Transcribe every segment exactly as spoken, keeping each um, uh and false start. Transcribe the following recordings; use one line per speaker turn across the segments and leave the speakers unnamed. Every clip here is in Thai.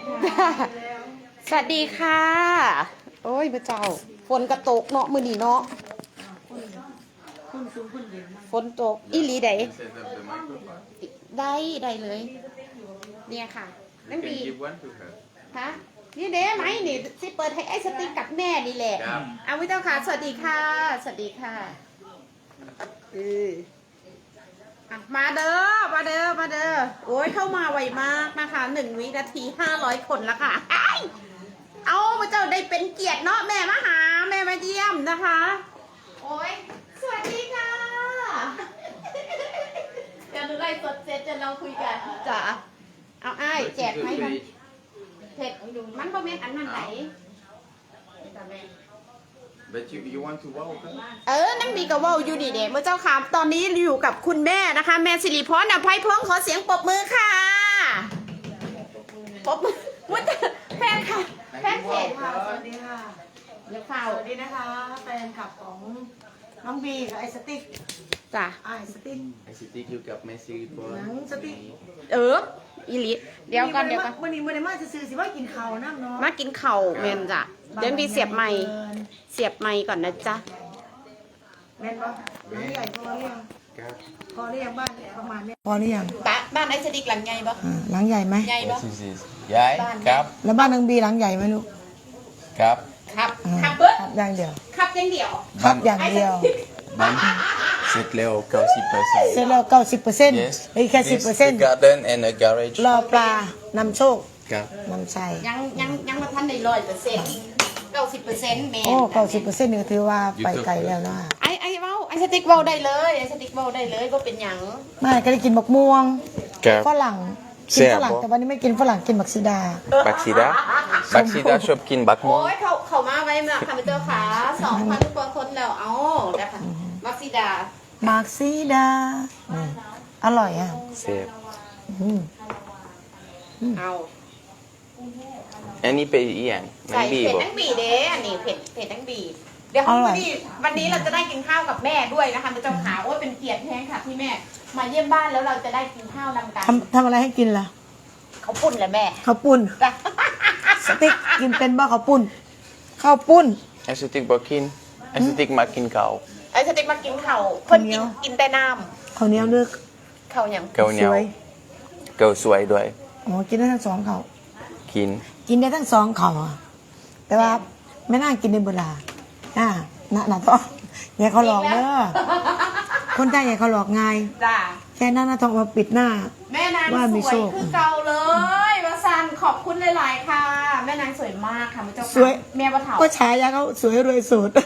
สวัสดีค่ะ โอ้ยพระเจ้าฝนกระตกเนาะมือนีเนาะฝนตกอีหลีได้ได้ได้เลย เนี่ยค่ะนั่นดีฮะนี่เด้ไหมนี่สิเปิดให้ไอ้สติ๊กกับแม่นี่แหละเอาวิเจ้าค่ะสวัสดีค่ะ สวัสดีค่ะเออมาเด้อมาเด้อมาเด้อโอ้ยเข้ามาไวมากนะคะหนึ่งวินาทีห้าร้อยคนแล้วค่ะเอาพระเจ้าได้เป็นเกียรติเนาะแม่มาหาแม่มาเยี่ยมนะคะโอ้ยสวัสดีค่ะเดี๋ยวดูไลฟ์สดเสร็จจะเราคุยกันจ้ะเอาไอ้แจกไหมมันเผ็ดมันบ่แม่นอันนั้นไหน
But you you want to wow
เออนั่งดีกับว่าวอยู่ดีเด็เมื่อเจ้าค่ะตอนนี้อยู่กับคุณแม่นะคะแม่สิริพรอภัยพงศ์ขอเสียงปรบมือค่ะปรบมือว่าแฟนค่ะแฟนเพจค่ะ
สวัสดีค่ะ
เดี๋ยวเฝ้า
สวัสดีนะคะแฟนคลับของน้องบีกับไอสติ๊ก
จ้ะ
ไอสติ๊ก
ไอซิตี้อยู่กับเมสซี่บอล
หนังสติ๊ก
เอออีหลีเดี๋ยวก่อนเดี๋ยวก่อน
วันนี้วันนี้มาจะซื้อสิว่ากินข้าวน้ำเนาะ
มากินเข่าวเมนจ้ะเดี๋ยวมีเสียบไม้เสียบไม้ก่อนนะจ๊ะ
แม่นปะหลังใหญ่พอหรือยัง
ครับ
พอหรือยังบ้านประมาณนี้พอหรือยัง
บ้านบ้านไอ้สติ๊กหลังไงบ่
อ่าหลังใหญ่ไหม
ไงบ่
What is this ยายครับ
แล้วบ้านน้องบีหลังใหญ่ไหมลูก
ครับ
ครับ
อ่า
ครับเบิ้ล
ครับอย่างเดียว
ครับอย่างเดียว
ครับอย่างเดียว
บ้านเสร็จแล้วเก้าสิบเปอร์เซ็นต์
เสร็จแล้วเก้าสิบเปอร์เซ็นต์
Yes
อีกแค่สิบ
This
เปอร์เซ็น
the
ต์
garden and a garage
รอปลานำโชค
ครับ
นำชัย
ยังยังยังมาทันได้ร้อยเปอร์เซ็นต์เก้าสิบเปอร์เซ็นต์แมน
โอ้เก้าสิบเปอร์เซ็นต์นี่ถือว่าไปไกลแล้วนะ
ไอ้ไอ้เว้าไอ้สติ๊กเว้าได้เลยไอ้สติ๊กเว้าได้เลยว่าเป็นหยัง
ไม่ก็ได้กินบักม่วง
ครับ
ฝรั่งกินฝรั่งแต่วันนี้ไม่กินฝรั่งกินบักซีดา
บักซีดาบักซีดาชอบกินบักม่ว
โอ้
ง
ยเขาเขามาไว้มาค่ะพี่เจ้าขาสองพันกว่าคนแล้วเอานะคะมักซิดา
บักซีดาอืมอร่อยอ่ะ
เสียบ
อืม
เอา
อันนี้เป็นอีหยังมั
ใส่
นบี
เผ็ด
บ่
ทั้งบีเด้อันนี้เผ็ดเผ็ดทั้งบีเดี๋ยววันนี้วันนี้เราจะได้กินข้าวกับแม่ด้วยนะคะพี่เจ้าขาโอ้ยเป็นเกียรติแท้ค่ะที่แม่มาเยี่ยมบ้านแล้วเราจะได้กินข้าวนำกัน
ทำทำอะไรให้กินล่ะ
เขาปุ่นแหละแม่
ข้าวปุ้นสติ๊กกินเป็นบ่ข้าวปุ้นข้าวปุ้น
ไอสติกบ่กินไอสติกมากินข้าว
ไอ้สติ๊กมากินข้าวเพิ่นกินกินแต่น้
ข้าวเหนียวเลือก
ำข้าวหยัง
เกาเหนียว
สวย
เกาสวยด้วย
อ๋อกินได้ทั้งสองข้าว
กิน
กินได้ทั้งสองข้าวอะแต่ว่าไม่น่ากินในเวลาอ่าน่ะน่ะต้องอย่าเขาหลอกเด้อคนไทยอย่าเขาหลอกง่าย
จ้า
แค่นั้นนะต้องมาปิดหน้า
แม่นาง
ว่า
ส
มี
ว
โช
ย
ค
คือเก่าเลยมาซันขอบคุณหลายๆค่ะ แม่นางสวยมากค่ะพระเจ้าค่ะ
สวย
แม่ปะเถา
ก็ฉายาเขาสวยรวยโสด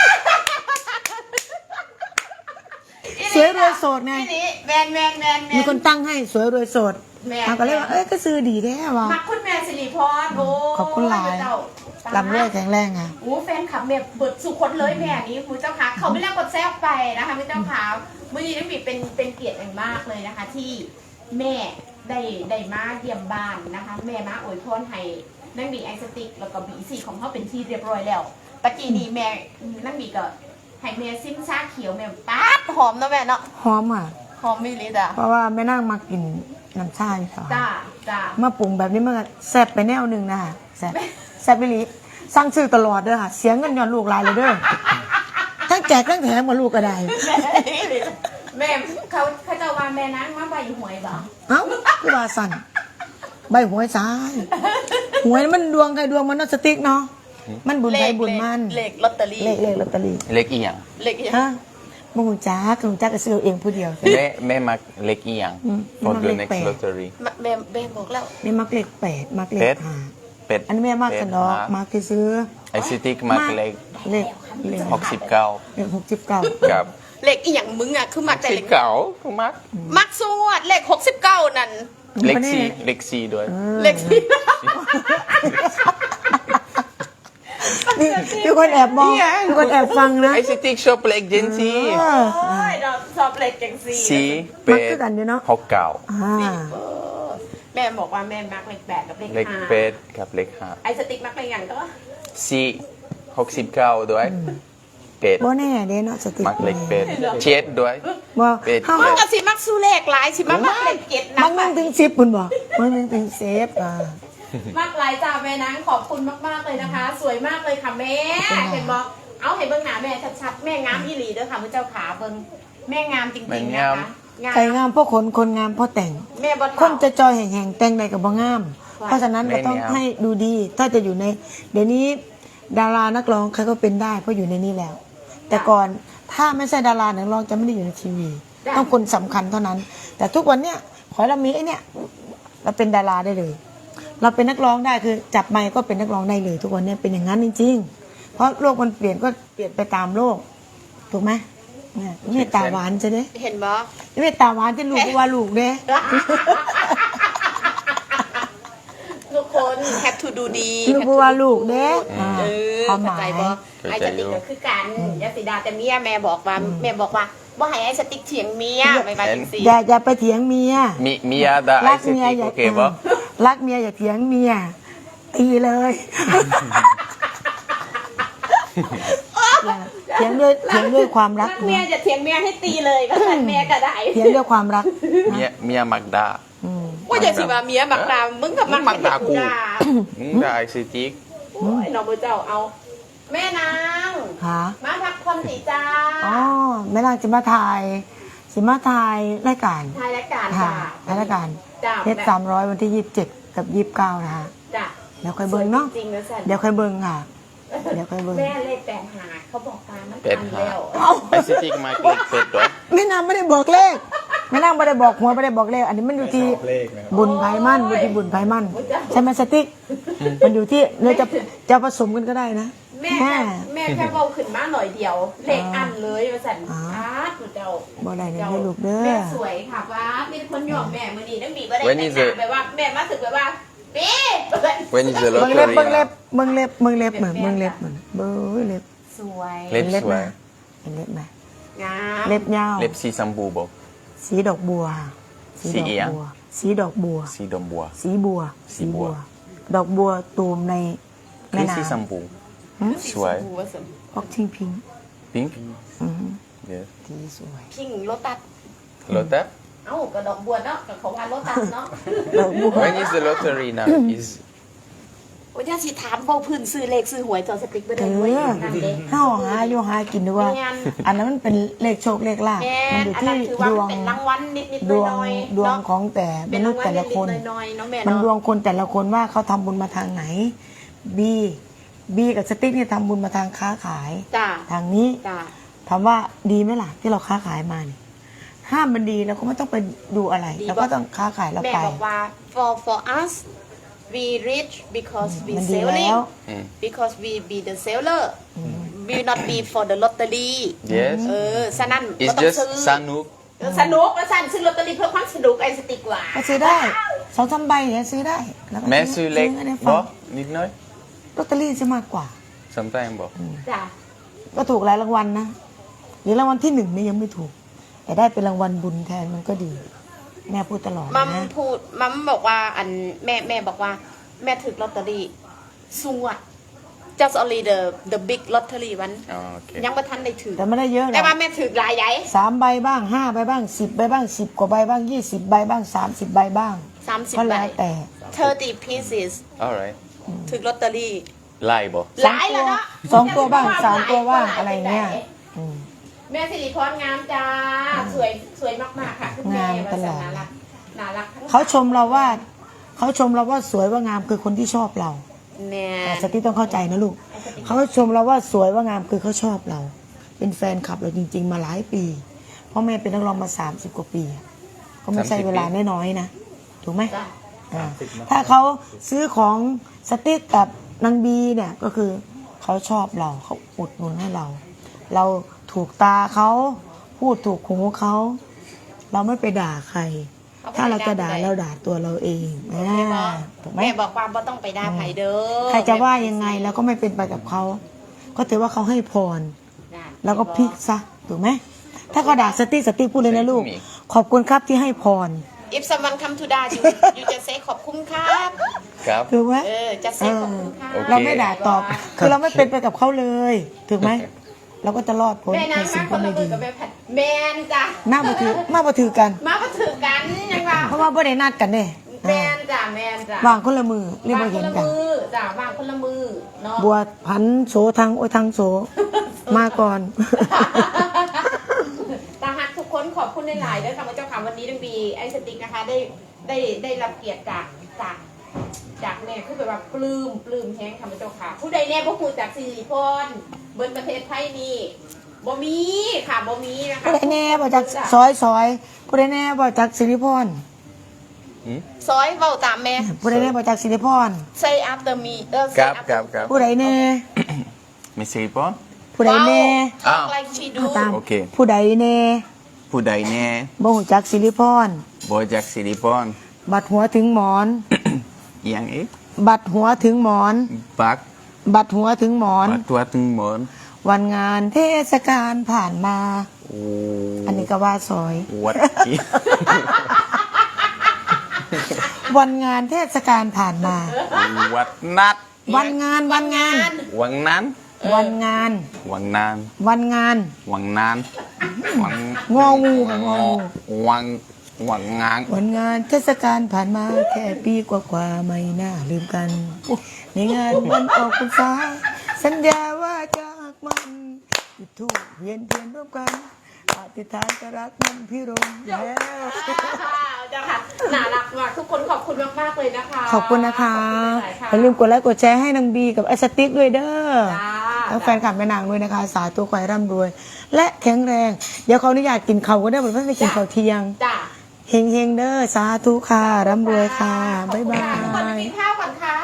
สวยรวยโสดไง
นี่นี่แมนแมนแมนแม
มี
น
คนตั้งให้สวยรวยโสด
แม่
เขาก็เลยว่าเอ้ยก็ซื้อดีแท้ว่ะ
มักคุณแม่สิริพรโอ้
ขอบคุณหลาย
พระเจ้
ลำรวยแข็งแรงอ่ะ
โอ้แฟนคลับแม่เบิดสุคนเลยแม่นี้คุณเจ้าค่ะเขาไม่เรียกกดแซวไปนะคะพระเจ้าค่ะมื่อนี้น้องบีเป็นเป็นเกียรติอย่างมากเลยนะคะ ที่แม่ได้ได้มาเยี่ยมบ้านนะคะ แม่มาอวยพรให้นั่งบีไอสติกแล้วก็บีซีของเขาเป็นที่เรียบร้อยแล้วตะกี้นี้แม่นั่งบีก็ให้แม่ซิมซาเขียวแม่ป๊าดหอมเนาะแม่เนาะ
หอมอ่ะ
หอมไม่ลิจ้ะ
เพราะว่าแม่นั่งมากินน้ำชาอยู่ค่ะ
จ้าจ้า
มาปรุงแบบนี้มันก็แซ่บไปแนวหนึ่งนะคะแซ่บแซ่บไปลีสั่งซื้อตลอดเด้อค่ะ เสียเงินย้อนลูกหลายเลยเด้อทั้งแจกทั้งแถมกับลูกก็ได้
แม่เขาเขาจะว่าแม่นั่งมาใบหวยบ่
เอ้าคือว่าสั่นใบหวยซ้ายหวยมันดวงใครดวงมันเนาะสติ๊กเนาะมันบุญใครบุญมัน
เลขลอตเตอรี่
เลขเลขลอตเตอรี่
เล็กอีหยัง
เลขยัง
ฮะมึงจ้าคือมึงจ้าก็ซื้อเอาเองผู้เดียว
แม่แม่มักเล็กอีหยัง
อืม
for
มั
the
กเลข
next
แปด
lottery
แม่แม่บอกแล้ว
นี่มักเลขแปดมักเล
เป็
ข
ด
ห้า
เป็ด
อันนี้แม่มักกันเนาะมักที่ซื้อ
ไอซิติกมักเล็ก
เลขเลข
หกสิบเก้า
เลขหกสิบเก้า
กับ
เลขอีหยังมึงอ่ะคือมักแต่
สิ
เล
บ
ข
เก้าก็มัก
มักสวดเลขหกสิบเก้านั่น
เล็กซีเล็กซีด้วย
เลขที่
นี่มีคนแอบมองมีคนแอบฟังนะ
ไอซิติกชอบเล็กเจนซี
เออ
โอ้ยเราชอบเลขจังซี
ซีเป็
มัก
ด
คือกันอยู่เนาะ
หกเก้า
อ่า
เออแม่บอกว่าแม่มักเลขแปดกับเลข
เล็ก
ห้า
เป็ดกับเล็กห้า
ไอสติ๊กมักเลขอย่างก็
ซีหกสิบเก้าด้วยเป็ด
บ่แน่เด้เนาะสติ
มักเล็กเป็ดเจ็ดด้วย
บ่
เป็ด
เฮา
มันก็สิมักสู้เลขหลายสิมักมักเลขเจ็ดนะ
มันนึงถึงสิบพุ่นบ่มันนึงถึงเซฟอ่า
มากหลายจ้าแม่นางขอบคุณมากๆเลยนะคะ สวยมากเลยค่ะแม่เห็นบอกเอาเห็นเบิ้งหน้าแม่ชัดๆแม่งามอีหลีเด้อค่ะพระเจ้าขาเบิ้งแม่งามจริงๆนะคะงาม
ใครงามเพราะขนคนงามเพราะแต่ง
แม่บอ
คนจะจอยแห่งๆแต่งใดกับบ่งาม เพราะฉะนั้นก็ต้องให้ดูดี ถ้าจะอยู่ใน เดี๋ยวนี้ดารานักร้องใครก็เป็นได้เพราะอยู่ในนี้แล้ว แต่ก่อนถ้าไม่ใช่ดารานักร้องจะไม่ได้อยู่ในทีวี ต้องคนสำคัญเท่านั้น แต่ทุกวันเนี้ยขอให้เรามีไอ้เนี่ยเราเป็นดาราได้เลย เราเป็นนักร้องได้คือจับไมค์ก็เป็นนักร้องได้เลย ทุกวันเนี้ยเป็นอย่างนั้นจริงๆ เพราะโลกมันเปลี่ยนก็เปลี่ยนไปตามโลกถูกไหมเนี่ยเมตตาหวานจะเด้
เห็นบ่
เมตตาหวานที่ลูกว่าลูกเด้
ทุกคนแฮปทูดูดี
ลูกว่าลูกเด้อ่า
เออ
ความห
เข้าม
าย
ใจบ่ไอ้สติ๊กก็คือกันยาสีดาแต่เมียแม่บอกว่าแม่บอกว่าบ่ให้ไอ้สติ๊กเถียงเมียไม่ว่าจังซี่
อย่าอย่าไปเถียงเมีย
Mi Mia da
รัก
I C
เมีย
T
อย่า
โอเคบ่
รักเมียอย่าเถียงเมียตีเลยเถียงด้วยเถียงด้วยความรัก
รักเมียจะเถียงเมียให้ตีเลยก็ทันเมียก็ได้
เถียงด้วยความรัก
Mia Mia Magda
อืม
ว่าอย่าสิว่าเมียมักดามึงกับมัก
มักด่ากู
ด่า
มึงได้ I C T
โอ้ยน้องเจ้าเอา แม่นาง
หา
มาพักผ่อนสิจ้า
อ๋อแม่นางสิมาถ่ายสิมาถ่ายรายการ
ทายรายการ
ค่ะ
จ้า
ถ่ายรายการ
จ้า
เพชรสามร้อยวันที่ยี่สิบเจ็ดกับยี่สิบเก้านะฮะ
จ้า
เดี๋ยวค่อยเบิ่งเนาะ
จริงๆนะสัน
เดี๋ยวค่อยเบิ่งค่ะ เดี๋ยวค่อยเบิ่ง
แม่เลขแปดหาเขาบอกตามมัน
เป็ด
ทัน
หา
แล้ว
I C T มาเกิดเป็ดด้วย
แม่นางไม่ได้บอกเลขแม่นางไม่ได้บอกหัวไม่ได้บอกเลข อันนี้มันอยู่ที่บุญไพมั่นอยู่ที่บุญไพมั่นใช่ไหมสติ๊กมันอยู่ที่เราจะจะผสมกันก็ได้นะ
แม่แค่แม่แค่เบาขึ้นมาหน่อยเดียว เลขอันเลยว่าสัน
อ๋อ
อาร์ตเจ้า
บ่ได้เนี่ยให้ลูกเด้อ
แม่สวยค่ะว่ามีคนยอมแม่มื้อนี้ได้มีบ่ได้
When
แต่
is
งหน้า
it?
แบบว่าแม่มาถึกแบบว่าปี
When is the
เบิ่งเล็บ
lottery
เบิ่งเล็บ
now?
เบิ่งเล็บเบิ่งเล็บเหมือนเบิ่งเล็บเหมือนเบิ่งเล็บ
สวย
เล็บ
เล็บ
สวย
นะเห็นเล็บไหม
งาม
เล็บยาว
เล็บสีชมพูบ่
สีดอกบัว
สีเอียง
บัวสีดอกบัว
สีดมบัว
สีบัว
สีบัว
ดอกบัวตูมใน
คื
แม่
อสีช
น้ำ
มพู
หืม
สวย
สีชมพูว่าสวย
ออกชิงพิง
Pink
อืม
Yes
สีสวย
พิงโลตัส
Lotte
เอ้ากระดอกบัวเนาะกับเขาว่าโลตัสเนาะ
ดอกบัว
When is the lottery now? Is
โอ้ยย่าสิถามเบาพื้นซื้อเลขซื้อหวยจอสติ๊กไป
เอ
ได้ด้วย
อ
นั่นเด้
ห้าหาอยู่หากินดีกว่า
แม่น
อันนั้นมันเป็นเลขโชคเลขลาภ
แม่
มันอยู่
อัน
ที่
นั้นถือว่า
ดว
มัน
ง
เป็นรางวัลนิดๆ
ดวง
น้อยๆ
ดวง
เนาะ
ของแต่ม
เป็น
นุ
รา
ษ
ง
ย์
วัล
แต่ละคน
นิดๆน้อยๆเนาะแม่
มัน
เนาะ
ดวงคนแต่ละคนว่าเขาทำบุญมาทางไหนบีบีกับสติ๊กเนี่ยทำบุญมาทางค้าขาย
จ้า
ทางนี้
จ้า
ถามว่าดีไหมล่ะที่เราค้าขายมาเนี่ยห้ามมันดีเราก็ไม่ต้องไปดูอะไรเราก็ต้องค้าขายเรา
แม่
ไป
บอกว่า for for us we rich because we
มันดี
selling
แล้ว
mm.
because we be the seller we not be for the lottery
Yes
เออฉะนั้น
It's
ก็ต้อง
just
ซื้อ
Sanuk
สนุกและสั่นซื้อลอตเตอรี่เพื่อความสนุกไอ้สติกว่า
ก็ซื้อได้สองสามใบเนี่ยซื้อได้แล้วก็
แม่ซื้อเล็ก
ให้ได้ฟั
บ่
ง
นิดหน้อย
ลอตเตอรี่จะมากกว่า
sometimes บ่
จ้ะ
ก็ถูกหลายรางวัลนะหรือรางวัลที่หนึ่งเนี่ยยังไม่ถูก แต่ได้เป็นรางวัลบุญแทนมันก็ดี แม่พูดตลอด
มัม
นะ
พูดมัมบอกว่าอันแม่แม่บอกว่า แม่ถึกลอตเตอรี่สูงอ่ะ just only the the big lottery วัน
อ๋อโอเค
ยังไม่ทันได้ถือ
แต่ไม่ได้เยอะหร
แต่
อก
ว่าแม่ถือหลายใหญ่
สามใบบ้างห้าใบบ้างสิบใบบ้างสิบกว่าใบบ้างยี่สิบใบบ้างสามสิบใบบ้าง
สามสิบ
ก็
ใบ
แล้วแต่
thirty pieces
alright
ถือลอตเตอรี่
ไล่บ่
หลายแล้วเนาะ
สองตัวบ้างสามตัวบ้างอะไรเงี้ยอืม
แม่สิริพรงามจ้าสวยสวยมากๆค่ะคุณแม่
งาม
วา
ต
ส
ลอด
นารักน่ารักทั้ง
เขาชมเราว่าเขาชมเราว่าสวยว่างามคือคนที่ชอบเรา
แม่
แต่สติต้องเข้าใจนะลูกเขาชมเราว่าสวยว่างามคือเขาชอบเรา เป็นแฟนคลับเราจริง ๆ มาหลายปี เพราะแม่เป็นนักร้องมาสามสิบกว่าปีอะก็ไม่ใช่เวลาน้อยๆนะถูกไหม
จ้ะ
อ่าถ้าเขาซื้อของสติ๊กกับนางบีเนี่ยก็คือเขาชอบเราเขาอุดหนุนให้เรา เราถูกตาเขาพูดถูกหูเขาเราไม่ไปด่าใคร ถ้าเราจะด่าเราด่าตัวเราเองอ่าถูกไหม
แม่บอกว่าบ่ต้องไปด่าไผเด้อ
ใครจะว่ายังไงเราก็ไม่เป็นไปกับเขาก็ถือว่าเขาให้พร
นั่น
แล้วก็พลิกซะถูกไหมถ้าเขาด่าสติ๊กสติ๊กพูดเลยนะลูก ขอบคุณครับที่ให้พร
if someone come to ด่า you you just say ขอบคุณครับ
ครับ
ถูกไหม
เออ just
เอ
say
อ
ขอบคุณครับ
โอเค
เราไม่ด่าตอบ คือเราไม่เป็นไปกับเขาเลยถูกไหมเราก็จะรอดพ้น
แม่
ใน
นาง
สิ่
มาง ค
ที่
นละ
ไม่
มื
ดี
อกับแม่แพทแมนจ้ะ
หน้าบัถือหน้าบัถือกัน
มาบ่ถือกันยังว่า
เพราะว่าบ่ได้นัดกันเนี่ย
แมนจ้ะแมนจ้ะ
วางคนละมือเรียก
วาง
ว่า
ค
เห็
น
น
ละ
กัน
มือจ้ะวางคนละมือเนาะ
บวชผันโสทางโอ้ยทางโสมาก่อน
ตาฮักทุกคนขอบคุณหลายๆด้วยค่ะพระเจ้าค่ะวันนี้ดังบีไอสติ๊กนะคะได้ได้ได้รับเกียรติจากจากจากแม่คือแบบว่าปลื้มปลื้มแห้งค่ะพระเจ้าค่ะ ผู้ใดแน่พวกคุณจากสิริพรบนประเทศไทยนี่บ่มีค่ะบ่มีนะคะ
ผู้ใดแน่บ่จากซอยซอยผู้ใดแน่บ่จากสิริพร
ซอยเว้าตามแม่
ผู้ใดแน่บ่จากสิริพร
say after me เออ
ค
say
รับ
after
ครับครับ
ผู้ใดแน่
มีสี่ปอน
ผู้ใดแน่
อ้าว
talk like she do
ตาม
โอเค
ผู้ใดแน่
ผู้ใดแน่
บ่ฮู้จักสิริพร
บอยจากสิริพร
บัดหัวถึงหมอน
เอียงอีก
บัดหัวถึงหมอน
บัก
บัดหัวถึงหมอน
บัดตัวถึงหมอน
วันงานเทศกาลผ่านมา
โอ้
อันนี้ก็ว่าซอย
วัดอี
วันงานเทศกาลผ่านมา
วัดนัด
วันงานวันงาน
วังนั้น
วันงาน
วังนาน
วันงาน
วังนานวัง
งองูค่ะงองู
วังวังงาน
วันงานเทศกาลผ่านมาแค่ปีกว่าๆไม่น่าลืมกัน ในงานวันออกพรรษาสัญญาว่าจะหักมันจุดธูปเวียนเทียนร่วมกันอธิษฐานจะรักมันพี่รงแล้ว
จ้าค่ะน่ารักมากทุกคนขอบคุณมากๆเลยนะคะ
ขอบคุณนะคะ
ขอบคุณหลายๆค่ะ
อย่าลืมกดไลค์กดแชร์ให้นางบีกับไอสติ๊กด้วยเด้อ
จ้า
ทั้งแฟนคลับแม่นางด้วยนะคะ สาธุขอให้ร่ำรวย และแข็งแรง เดี๋ยวเขาอนุญาตกินเขาวก็ได้เหมือนเพื่อนไปกินข้าวเที่ยง
จ้า
เฮงเฮงๆเด้อสาธุค่ะร่ำรวยค่ะ บ๊ายบา
ทุกคนไป
ย
กินข้าวก่อนค่ะ